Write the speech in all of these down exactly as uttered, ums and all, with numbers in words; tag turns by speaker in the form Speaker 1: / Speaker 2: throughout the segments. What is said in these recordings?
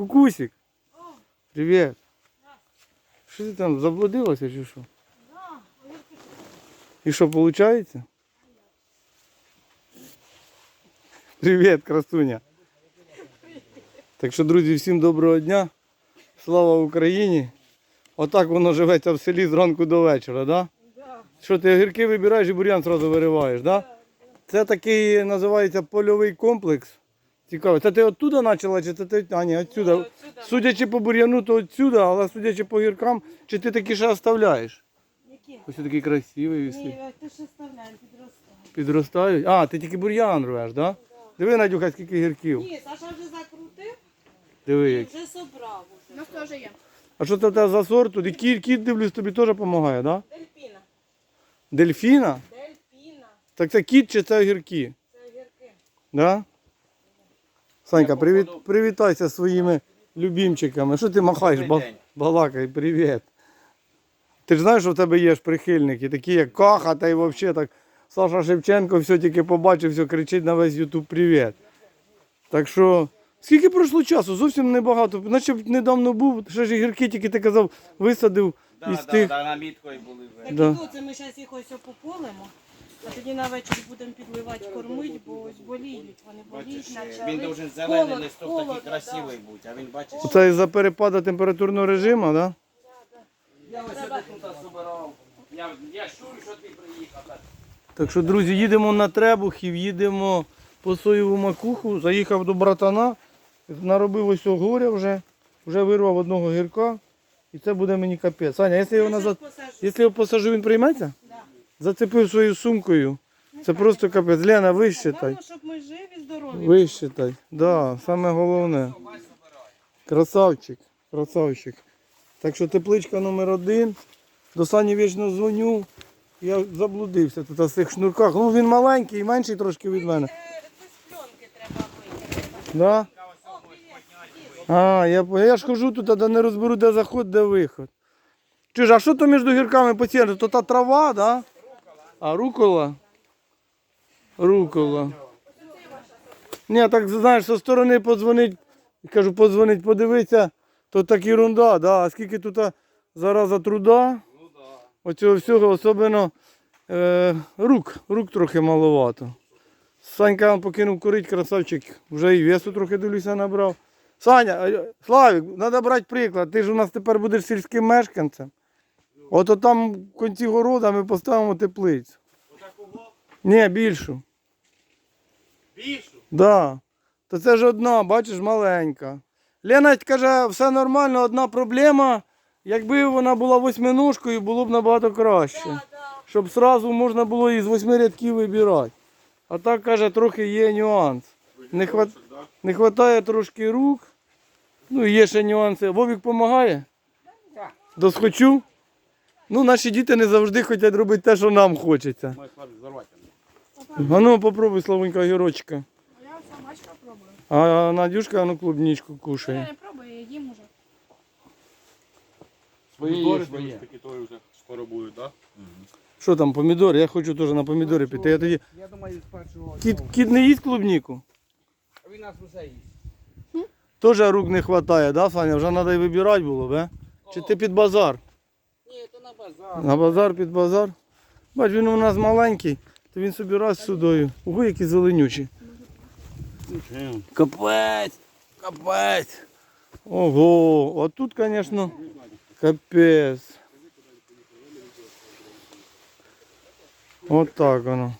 Speaker 1: Кукусик. Привіт. Що ти там, заблудилася чи що? І що, виходить? Привіт, красуня. Так що, друзі, всім доброго дня. Слава Україні. Отак воно живеться в селі зранку до вечора, да? Да. Що, ти огірки вибираєш і бур'ян одразу вириваєш, да? Да, да. Це такий, називається, польовий комплекс. Цікаво. Це ти оттуда почала, чи це ти, а ні, отсюда. Ні, отсюда. Судячи по бур'яну, то отсюда, але судячи по огіркам, чи ти такі ще оставляєш? Які? Ось такий красивий.
Speaker 2: Ні, ти ж оставляємо, підростають.
Speaker 1: Підростають? А, ти тільки бур'ян рвеш, да? Да. Диви, Надюха, скільки огірків.
Speaker 2: Ні, Саша вже закрутив.
Speaker 1: Диви,
Speaker 2: і
Speaker 1: як.
Speaker 2: вже собрав. У нас теж є.
Speaker 1: А що це в тебе за сорт? І кіт, кіт, дивлюсь, тобі теж допомагає, так? Да?
Speaker 2: Дельфіна.
Speaker 1: Дельфіна?
Speaker 2: Дельфіна.
Speaker 1: Так це кіт чи це огірки?
Speaker 2: Це огірки.
Speaker 1: Да? Санька, привіт, привітайся зі своїми любимчиками. Що ти махаєш? Ба, балакай, привіт. Ти ж знаєш, що в тебе є ж прихильники, такі як Каха, та й взагалі так. Саша Шевченко все тільки побачив, все кричить на весь ютуб привіт. Так що, скільки пройшло часу? Зовсім небагато. Наче недавно був, ще ж гірки тільки ти казав, висадив
Speaker 3: да,
Speaker 1: із
Speaker 3: да,
Speaker 1: тих.
Speaker 3: Да, наміткою були вже.
Speaker 2: Так
Speaker 1: Да.
Speaker 2: і тут це ми зараз їх ось пополимо, а тоді на вечір будемо підливати, кормити, бо ось боліють, вони боліють,
Speaker 3: Бачиш,
Speaker 2: почали.
Speaker 3: він должен зелений
Speaker 2: Холод,
Speaker 3: листок
Speaker 2: холодно,
Speaker 3: такий красивий бути, а він бачиш.
Speaker 1: Це із-за перепаду температурного режиму, так? Да?
Speaker 3: Я ось сюди тут збирав. Я, я чую, що ти приїхав.
Speaker 1: Так що, друзі, їдемо на Требухів, їдемо по соєву макуху, заїхав до братана, наробив ось горя вже, вже вирвав одного гірка, і це буде мені капець. Саня, якщо його назад, якщо його посажу, він прийметься?
Speaker 2: Да.
Speaker 1: Зацепив своєю сумкою, це просто капець. Лена, вищитай.
Speaker 2: Головне, щоб ми живі, здорові.
Speaker 1: Вищитай, да, саме головне. Красавчик, красавчик. Так що тепличка номер один. До Сані вічно дзвоню. Я заблудився тут на цих шнурках. Ну він маленький, менший трошки від мене.
Speaker 2: Це з пленки треба вийти.
Speaker 1: Да? А, я, я ж хожу тут, де не розберу, де заход, де виход. Чуєш, а що то між гірками по центру? То та трава, да? А, рукола? Рукола. Ні, так знаєш, зі сторони подзвонить, кажу, подзвонить, подивитися, то так ерунда, да? А скільки тут зараза труда? Оцього всього, особливо е, рук, рук трохи маловато. Санька вам покинув курити, красавчик, вже і весу трохи, дивлюся, набрав. Саня, Славік, треба брати приклад, ти ж у нас тепер будеш сільським мешканцем. Ото там в кінці города ми поставимо теплицю.
Speaker 3: Отакого?
Speaker 1: Ні, більшу.
Speaker 3: Більшу?
Speaker 1: Так. Да. То це ж одна, бачиш, маленька. Лена каже, все нормально, одна проблема. Якби вона була восьминожкою, було б набагато краще.
Speaker 2: Да, да.
Speaker 1: Щоб одразу можна було із восьми рядків вибирати. А так, каже, трохи є нюанс. Не, хват... Не вистачає трошки рук. Ну і є ще нюанси. Вовік допомагає?
Speaker 3: Так.
Speaker 1: Досхочу? Ну, наші діти не завжди хочуть робити те, що нам хочеться. А ну, попробуй, Славонька, огірочка.
Speaker 4: Я собачка пробую.
Speaker 1: А Надюшка, ну, клубничку
Speaker 4: Я
Speaker 1: кушає.
Speaker 4: не пробую, я їм уже.
Speaker 3: Свої, свої.
Speaker 5: Такі то вже скоро будуть, так?
Speaker 1: Що там, помідори? Я хочу теж на помідори піти. Я тоді...
Speaker 3: Я думаю, з першого.
Speaker 1: Кіт, кіт не їсть клубніку?
Speaker 3: Він нас усе їсть.
Speaker 1: Теж рук не вистачає, да, Саня? Вже треба і вибирати було, бе? Чи ти під базар?
Speaker 3: Ні, то на базар.
Speaker 1: На базар, під базар. Бач, він у нас маленький, то він собі раз судою. Ого, які зеленючі. Капець, капець. Ого, а тут, звісно, капець. От так воно.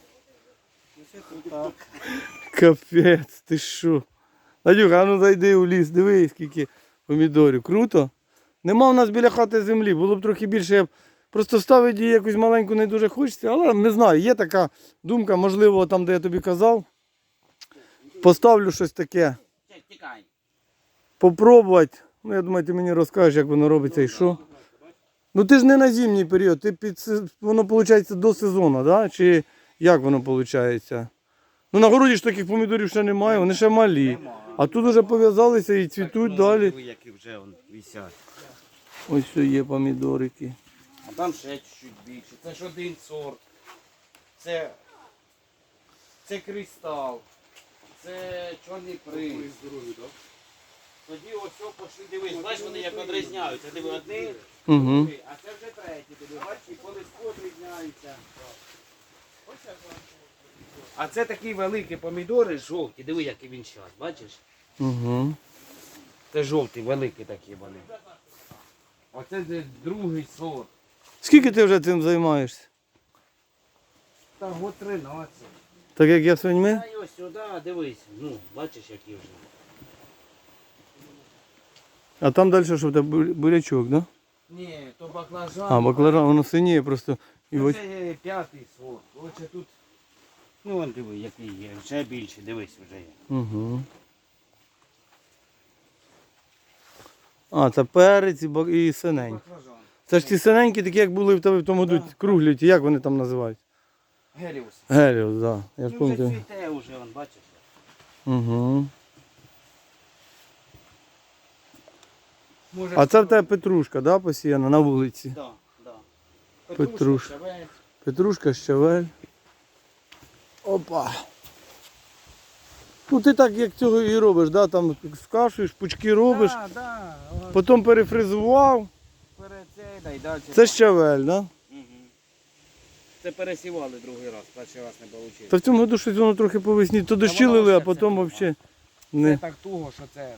Speaker 1: Капець, ти що? Надюха, а ну зайди у ліс, дивись, скільки помідорів. Круто? Нема в нас біля хати землі, було б трохи більше, я б просто ставити її якусь маленьку не дуже хочеться, але не знаю, є така думка, можливо, там, де я тобі казав, поставлю щось таке,
Speaker 3: Тікай.
Speaker 1: попробувати. Ну, я думаю, ти мені розкажеш, як воно робиться і що. Ну ти ж не на зимній період, ти під, се- воно виходить до сезону, да? Чи як воно виходить? Ну на городі ж таких помідорів ще немає, вони ще малі. А тут вже пов'язалися і цвітуть далі.
Speaker 3: Диви, які вже он висять.
Speaker 1: Ось все є помідорики.
Speaker 3: А там ще чуть більше. Це ж один сорт. Це, це кристал. Це чорний приз. Тоді ось що пошли, дивись, бачиш, вони як відрізняються. Диви, одні,
Speaker 1: Угу.
Speaker 3: другий, а це вже третій, диви, бачиш, і по листку відрізняються. А це такі великі помідори жовті, диви, який він зараз, бачиш?
Speaker 1: Угу.
Speaker 3: Це жовті, великі такі вони. Оце де другий сорт.
Speaker 1: Скільки ти вже цим займаєшся?
Speaker 3: Та год тринадцять.
Speaker 1: Так як я свиньми?
Speaker 3: Та й ось сюди, дивись, ну, бачиш, які вже.
Speaker 1: А там далі що в тебе бу- бурячок, да?
Speaker 3: Ні, то баклажан.
Speaker 1: А, баклажан, воно синіє просто. І ось.
Speaker 3: Це є п'ятий сорт. Оце тут, ну, вон диви, який є, ще більше, дивись, вже є.
Speaker 1: Угу. А, це перець і, бак- і синень.
Speaker 3: Баклажан.
Speaker 1: Це ж ті синенькі, такі, як були в тебе в тому году, круглі, ті, як вони там називають?
Speaker 3: Геліус.
Speaker 1: Геліос, так. Да. Я ж
Speaker 3: Ну, вже
Speaker 1: пам'ятаю.
Speaker 3: цвіте вже, вон, бачиш.
Speaker 1: Угу.
Speaker 3: Може,
Speaker 1: А це в тебе петрушка, да, посіяна на вулиці?
Speaker 3: Да, да.
Speaker 1: Петруш.
Speaker 3: щавель.
Speaker 1: Петрушка, щавель. Опа. Ну ти так як цього і робиш, да? Там скашуєш, пучки робиш,
Speaker 3: Да, да. Ось
Speaker 1: потім перефризував.
Speaker 3: перед цей, да, і далі.
Speaker 1: Це щавель, да?
Speaker 3: Угу. Це пересівали другий раз, перший раз не вийшло.
Speaker 1: Та в цьому году щось воно трохи по весні. То дощі
Speaker 3: воно
Speaker 1: лили, а
Speaker 3: ще
Speaker 1: потім
Speaker 3: це
Speaker 1: взагалі
Speaker 3: Це
Speaker 1: не.
Speaker 3: так туго, що це.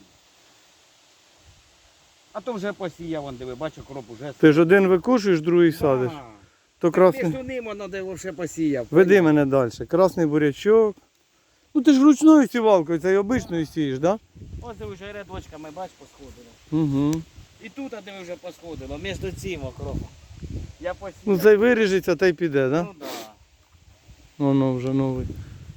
Speaker 3: А то вже посіяв, вон, диви, бачу, кроп уже.
Speaker 1: Ти ж один викошуєш, другий садиш.
Speaker 3: Да.
Speaker 1: То
Speaker 3: Ти
Speaker 1: красний.
Speaker 3: ж ним воно де вже посіяв.
Speaker 1: Веди мене далі. Красний бурячок. Ну ти ж ручною сівалкою, це й обичною сієш, так?
Speaker 3: Ось диви, вже рядочками, бач, посходило.
Speaker 1: Да? Угу.
Speaker 3: І тут, а диви, вже посходило, між цим окропом. Я посіяв.
Speaker 1: Ну цей виріжеться та й піде, так? Да?
Speaker 3: Ну, да.
Speaker 1: Воно вже новий.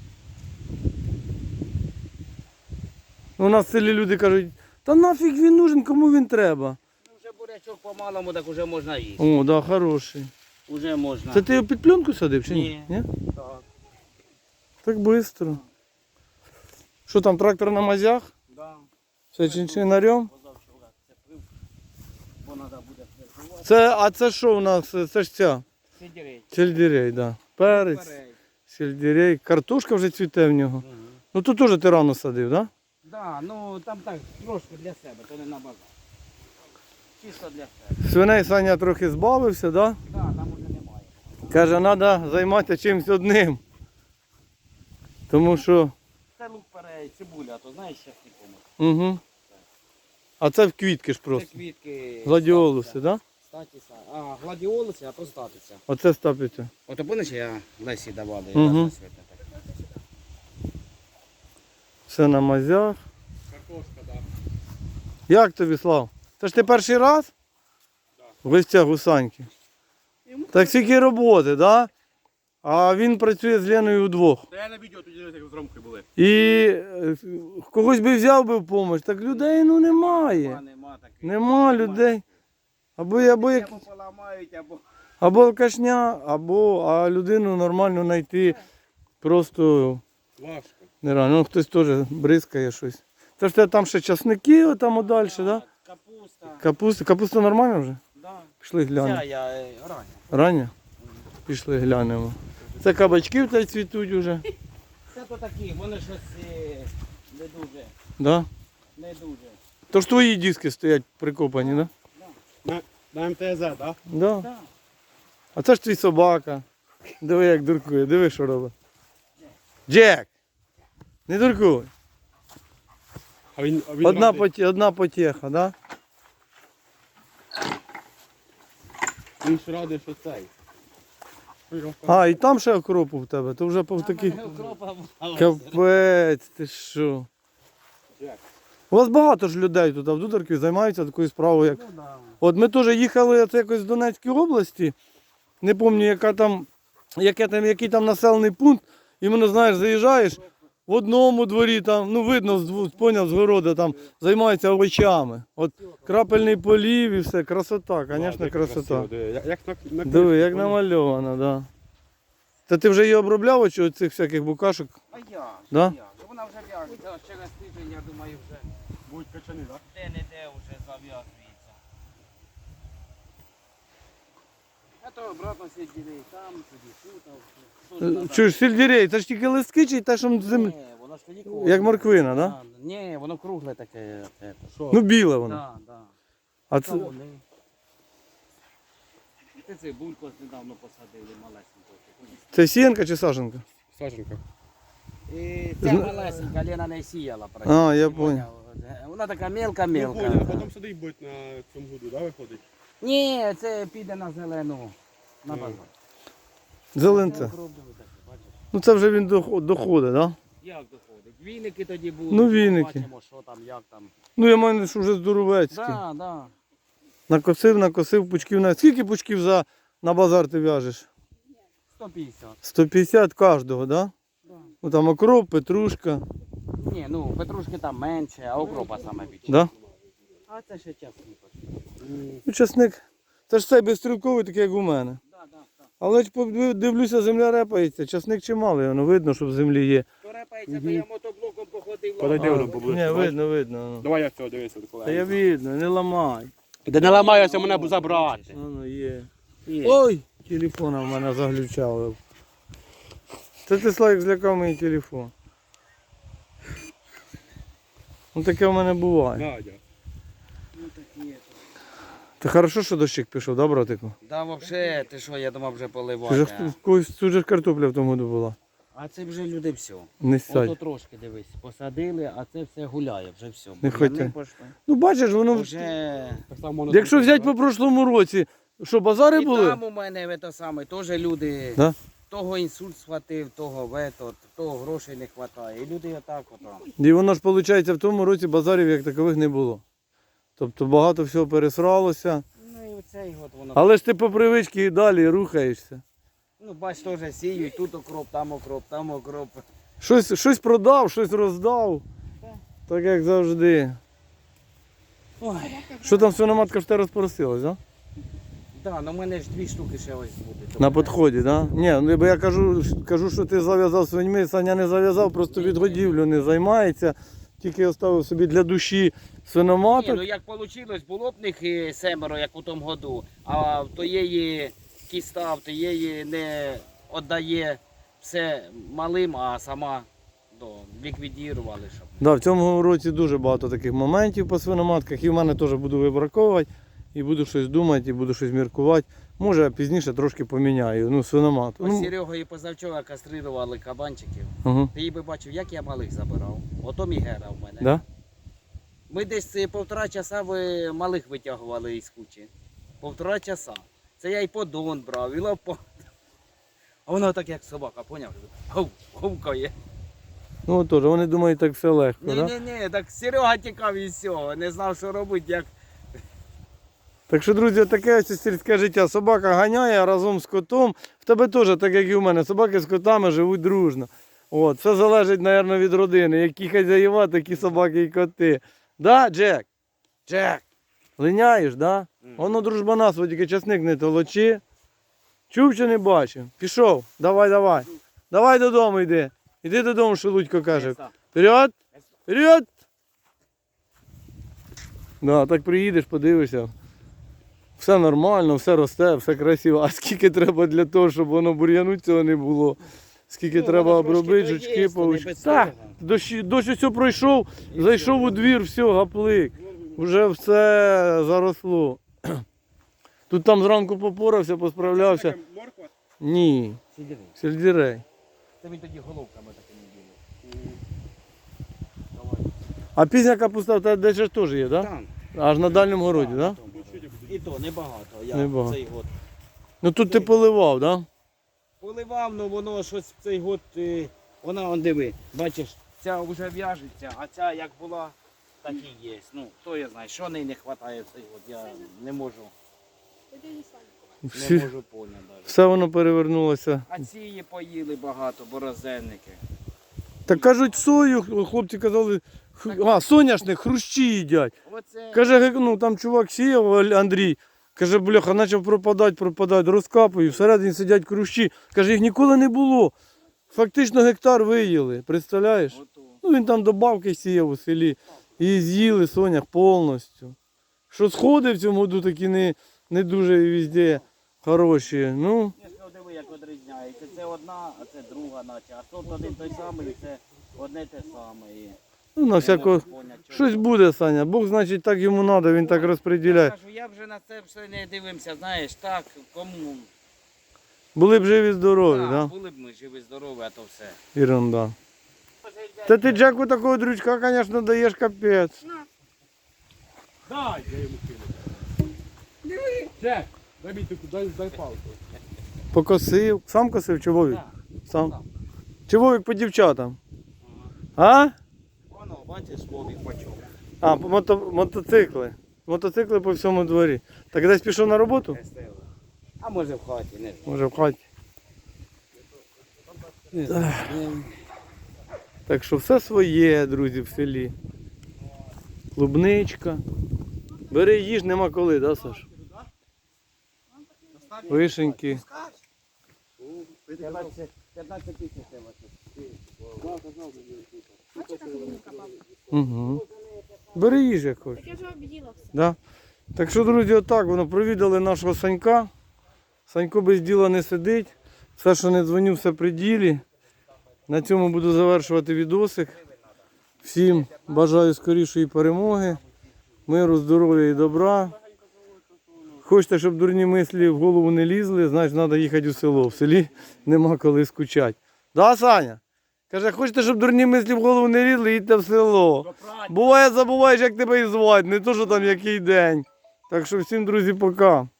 Speaker 1: У нас в селі люди кажуть, та нафіг він нужен, кому він треба.
Speaker 3: Ну, вже бурячок по-малому, так вже можна їсти.
Speaker 1: О, да, хороший.
Speaker 3: Уже можна.
Speaker 1: Це ти його під пленку садив чи ні?
Speaker 3: Ні.
Speaker 1: Ні?
Speaker 3: Так,
Speaker 1: Так швидко. Що там, трактор на мазях?
Speaker 3: да.
Speaker 1: Все чинчинарем?
Speaker 3: Позавчора це пив, бо треба буде фрезувати.
Speaker 1: Це, а це що у нас? Це ж ця?
Speaker 3: Сидірей.
Speaker 1: Сельдерей, да. Перець, сельдерей. Картошка вже цвіте в нього.
Speaker 3: Угу.
Speaker 1: Ну тут теж ти рано садив, так? Да?
Speaker 3: Да, ну там так, трошки для себе, то не на базар. Чисто для себе.
Speaker 1: Свиней Саня трохи збавився, да?
Speaker 3: Да, там уже немає.
Speaker 1: Каже, треба займатися чимось одним. Тому що.
Speaker 3: Це лук перець, цибуля, а то знаєш, зараз нікому.
Speaker 1: Угу. А це в квітки ж
Speaker 3: Це
Speaker 1: просто.
Speaker 3: квітки.
Speaker 1: Гладіолуси, так? Да?
Speaker 3: Статіса. А, гладіолуси, а то статися.
Speaker 1: Оце стапиться.
Speaker 3: От помниш, я Лесі давали,
Speaker 1: Мгм.
Speaker 3: я так.
Speaker 1: Все на мазях.
Speaker 5: Картошка, так.
Speaker 1: Як тобі, Слав? Це ж ти перший раз? В гостях у Саньки. Так скільки роботи, так? Да? А він працює з Леною удвох.
Speaker 5: Та я на відео тоді як з Ромкою були.
Speaker 1: І е, когось би взяв би в допомогу, так людей ну немає.
Speaker 3: Нема, нема таких.
Speaker 1: Нема людей. Або, або, як,
Speaker 3: Або поламають, або...
Speaker 1: або алкашня, або а людину нормально знайти просто
Speaker 5: Важко.
Speaker 1: нереально. Ну, хтось теж бризкає щось. Це ж тебе там ще часники, там далі, так? Да?
Speaker 3: Капуста.
Speaker 1: Капуста. Капуста нормальна вже?
Speaker 3: Да.
Speaker 1: Пішли глянемо.
Speaker 3: Ця я е, рання.
Speaker 1: Рання? Пішли глянемо. Це кабачки в тебе цвітуть вже.
Speaker 3: Це то такі, вони щось е, не дуже,
Speaker 1: Да?
Speaker 3: не дуже.
Speaker 1: То ж твої диски стоять прикопані, так? Да?
Speaker 5: На, на ем те ес, так? Да?
Speaker 1: Да.
Speaker 3: Да.
Speaker 1: А це ж твій собака. Диви, як дуркує, диви, що робить. Джек! Не дуркуй.
Speaker 5: А він, а він
Speaker 1: Одна,
Speaker 5: радий.
Speaker 1: поті, одна потєха, да?
Speaker 5: Він ж радий, що цей. Ой, Ромка.
Speaker 1: А, і там ще окропу в тебе, то вже по такий.
Speaker 3: Там укропа була.
Speaker 1: Капець, ти що?
Speaker 5: Як?
Speaker 1: У вас багато ж людей тут, а в Дударківі займаються такою справою, як.
Speaker 3: Ну, да.
Speaker 1: От ми теж їхали це якось з Донецької області, не пам'ятаю, яка там, яке там, який там населений пункт, і мене, знаєш, заїжджаєш, в одному дворі там, ну видно, з дву- поняв, з города там займаються овочами. От крапельний полів і все, красота, звісно,
Speaker 5: Як
Speaker 1: красота.
Speaker 5: красиво, диви. Як, як на, на
Speaker 1: Диви, як
Speaker 5: книжці,
Speaker 1: намальовано, так. Да. Та ти вже її обробляв, чи цих всяких букашок?
Speaker 3: А я,
Speaker 1: Да?
Speaker 3: я. Вона вже в'яжеться, через тиждень, я думаю, вже
Speaker 5: будуть качани, так?
Speaker 3: де-не-де вже зав'язується. А то обратно сиділи, там, тоді, тут, а
Speaker 1: Чуєш, сельдерей, це ж тільки листки чи те, що землі?
Speaker 3: Ні, воно ж тоді кругле.
Speaker 1: Як морквина, да?
Speaker 3: А, ні, воно кругле таке. це.
Speaker 5: Що?
Speaker 1: Ну, біле воно.
Speaker 3: Да, да.
Speaker 1: А
Speaker 3: Це
Speaker 1: це,
Speaker 3: вони. Ти цибульку ось недавно посадили, малесеньку.
Speaker 1: це сіянка чи саженка?
Speaker 5: Саженка.
Speaker 3: І ця малесенька Лена не сіяла.
Speaker 1: А, я понял.
Speaker 3: Вона така
Speaker 5: Я
Speaker 3: мелка-мелка.
Speaker 5: понял, а потім сюди й будь на цьому году, да, виходить?
Speaker 3: Ні, це піде на зелену. На
Speaker 5: Ну.
Speaker 3: базар.
Speaker 1: Зеленце.
Speaker 3: Укроп диви такий, бачиш?
Speaker 1: Ну це вже він доход- доходить, так? Да?
Speaker 3: Як доходить? Віники тоді будуть.
Speaker 1: Ну, віники.
Speaker 3: Бачимо, що там, як там.
Speaker 1: Ну я маю, що вже здоровецький.
Speaker 3: Да, да.
Speaker 1: Накосив, накосив пучків на. Скільки пучків за на базар ти в'яжеш?
Speaker 3: сто п'ятдесят.
Speaker 1: сто п'ятдесят кожного, так? Да?
Speaker 3: Да.
Speaker 1: Ну там окроп, петрушка.
Speaker 3: Ні, ну петрушки там менше, а окропа саме більше.
Speaker 1: Да?
Speaker 3: А це ще час
Speaker 1: Ну, часник. Це ж цей безстрілковий, такий, як у мене.
Speaker 3: Да, да, да.
Speaker 1: Але ж подив- дивлюся, земля репається. Часник чималий, воно видно, що в землі є.
Speaker 3: То репається, то я мотоблоком походив.
Speaker 5: Подойди воно поближче.
Speaker 1: Ні, видно, видно. ну.
Speaker 5: Давай я цього дивися.
Speaker 1: Та я видно, не ламай.
Speaker 5: Де не ламаюся, мене б забрати.
Speaker 1: Воно є.
Speaker 3: Є.
Speaker 1: Ой! Телефон в мене заглючав. Це ти, Славік, злякав мій телефон. Ну таке в мене буває.
Speaker 5: Надя.
Speaker 3: Ну так є.
Speaker 1: Та хорошо, що дощик пішов, да, братику?
Speaker 3: Да, взагалі, ти що, я думав вже
Speaker 1: Ти же,
Speaker 3: поливати.
Speaker 1: в когось тут же ж картопля в тому году була.
Speaker 3: А це вже люди все.
Speaker 1: Не
Speaker 3: Ото
Speaker 1: сядь.
Speaker 3: трошки дивись, посадили, а це все гуляє, вже все.
Speaker 1: Не
Speaker 3: Бур'яни
Speaker 1: хочете.
Speaker 3: пішли.
Speaker 1: Ну бачиш, воно.
Speaker 3: Вже...
Speaker 5: Так само воно
Speaker 1: Якщо
Speaker 5: тут,
Speaker 1: взяти
Speaker 5: да?
Speaker 1: по прошлому році, що базари
Speaker 3: І
Speaker 1: були?
Speaker 3: там у мене в те саме, теж люди,
Speaker 1: Да?
Speaker 3: того інсульт схватив, того ветот, того грошей не вистачає. І люди отак отам.
Speaker 1: І воно ж виходить, в тому році базарів як такових не було. Тобто багато всього пересралося.
Speaker 3: Ну і оцей от воно.
Speaker 1: Але ж ти по привичці і далі рухаєшся.
Speaker 3: Ну бач, теж сіють, тут окроп, там окроп, там окроп.
Speaker 1: Щось, щось продав, щось роздав.
Speaker 3: Так.
Speaker 1: Так як завжди.
Speaker 3: Ой,
Speaker 1: Що там свиноматка ж те розпросилась, да?
Speaker 3: да, ну в мене ж дві штуки ще ось буде.
Speaker 1: На підході, да? Ні, ну бо я кажу, кажу, що ти зав'язав свиньми, Саня не зав'язав, просто від годівлю не займається. Тільки оставив собі для душі
Speaker 3: Ні,
Speaker 1: свиноматок.
Speaker 3: ну як вийшло, було б них е, семеро, як у тому году, а в тоєї кіста, в тоєї не віддає все малим, а сама до, ліквідірували, щоб.
Speaker 1: Да, в цьому році дуже багато таких моментів по свиноматках. І в мене теж буду вибраковувати, і буду щось думати, і буду щось міркувати. Може, я пізніше трошки поміняю. Ну, свиноматку.
Speaker 3: Ось
Speaker 1: Ну,
Speaker 3: Серегою позавчора кастрирували кабанчиків.
Speaker 1: угу.
Speaker 3: Ти би бачив, як я малих забирав. Ото Мігера в мене.
Speaker 1: Да?
Speaker 3: Ми десь е, півтора часа ви малих витягували із кучі. Півтора часа. Це я і подон брав, і лопат. А воно так як собака, поняв? Гов, говкає.
Speaker 1: Ну теж, вони думають, так все легко,
Speaker 3: Ні,
Speaker 1: да?
Speaker 3: ні, ні, так Серега тікав і все, не знав, що робити, як.
Speaker 1: Так що, друзі, таке ось сільське життя. Собака ганяє разом з котом. В тебе теж, так як і в мене, собаки з котами живуть дружно. От, все залежить, мабуть, від родини. Які хазяїва, такі собаки і коти. Да, Джек? Джек? Линяєш, да? Воно дружбана свого, тільки часник не толочи. Чув чи не бачив? Пішов. Давай, давай. Давай додому йди. Іди додому, що Лудько каже. Вперед! Вперед! Да, так приїдеш, подивишся. Все нормально, все росте, все красиво. А скільки треба для того, щоб воно бур'яну цього не було? Скільки
Speaker 3: Ну,
Speaker 1: треба
Speaker 3: воно трошки
Speaker 1: обробити,
Speaker 3: доїсть,
Speaker 1: жучки,
Speaker 3: то не
Speaker 1: павучки.
Speaker 3: без
Speaker 1: Так,
Speaker 3: того.
Speaker 1: дощ, дощ ось пройшов, зайшов у двір, все, гаплик. Вже все заросло. Тут там зранку попорався, посправлявся.
Speaker 5: Така морква?
Speaker 1: Ні,
Speaker 3: Сиділи.
Speaker 1: сельдерей.
Speaker 3: Це він тоді головками такими били. Давай.
Speaker 1: А пізня капуста в тебе десь ж теж є, так? Да?
Speaker 3: Там.
Speaker 1: Аж на дальньому городі, так? Да?
Speaker 3: І то небагато. Я
Speaker 1: Небагато.
Speaker 3: цей год
Speaker 1: Ну тут ти поливав, так? Да?
Speaker 3: поливав, ну воно щось цей год, е, вона он диви, бачиш, ця вже в'яжеться, а ця як була, так і є. Ну, хто я знає, що неї не вистачає цей год, я не можу,
Speaker 4: Тоді не сам.
Speaker 3: не
Speaker 1: Всі,
Speaker 3: можу поняти навіть.
Speaker 1: все воно перевернулося.
Speaker 3: А ці її поїли багато, борозенники.
Speaker 1: Так кажуть, сою, хлопці казали, хр- а, соняшник, хрущі їдять.
Speaker 3: Оце,
Speaker 1: Каже, ге- ну там чувак сіяв, Андрій, каже, бляха, почав пропадати, пропадати, розкапую, всередині сидять хрущі. Каже, їх ніколи не було. Фактично гектар виїли, представляєш?
Speaker 3: ото.
Speaker 1: Ну він там добавки сіяв у селі. І з'їли сонях повністю. Що сходи в цьому году такі не, не дуже везде хороші. Ну,
Speaker 3: Я ж кажу, диви, як відрізняється. Це одна, а це друга наче. А тут один той самий, це одне те саме. І
Speaker 1: ну на
Speaker 3: не
Speaker 1: всяко.
Speaker 3: можу поняти, чого.
Speaker 1: Щось буде, Саня. Бог, значить, так йому треба, він так
Speaker 3: Я
Speaker 1: розподіляє.
Speaker 3: кажу, я вже на це все не дивився, знаєш, так, кому.
Speaker 1: Були б живі, здорові,
Speaker 3: Так,
Speaker 1: да?
Speaker 3: були б ми живі, здорові, а то все.
Speaker 1: Ерунда. Та ти Джеку такого дрючка, звісно, даєш капець.
Speaker 5: Дай, я йому кину. Диви. Джек, дай мені таку, дай, дай палку.
Speaker 1: Покосив. Сам косив чи Вовік?
Speaker 3: Так,
Speaker 1: Сам.
Speaker 3: так.
Speaker 1: Чи Вовік по дівчатам? А?
Speaker 3: Воно, бачиш, Вовік по чому.
Speaker 1: А, по мото, мотоцикли. Мотоцикли по всьому дворі. Так десь пішов на роботу?
Speaker 3: А може в хаті, не знаю.
Speaker 1: Може в хаті. Так що все своє, друзі, в селі. Клубничка. Бери їж, нема коли, да, Саш? Вишеньки.
Speaker 3: п'ятнадцять тисяч треба.
Speaker 4: Бачиш, як він копав?
Speaker 1: Угу. Бери їж як хочеш.
Speaker 4: Так я вже об'їла все.
Speaker 1: Да? Так що, друзі, отак воно провідали нашого Санька. Санько без діла не сидить. Все, що не дзвоню, все при ділі. На цьому буду завершувати відосик. Всім бажаю скорішої перемоги, миру, здоров'я і добра. Хочете, щоб дурні мислі в голову не лізли, значить треба їхати у село. В селі нема коли скучати. Да, Саня? Каже, хочете, щоб дурні мислі в голову не лізли, їдьте в село. Буває, забуваєш, як тебе і звати, не то, що там який день. Так що всім, друзі, пока.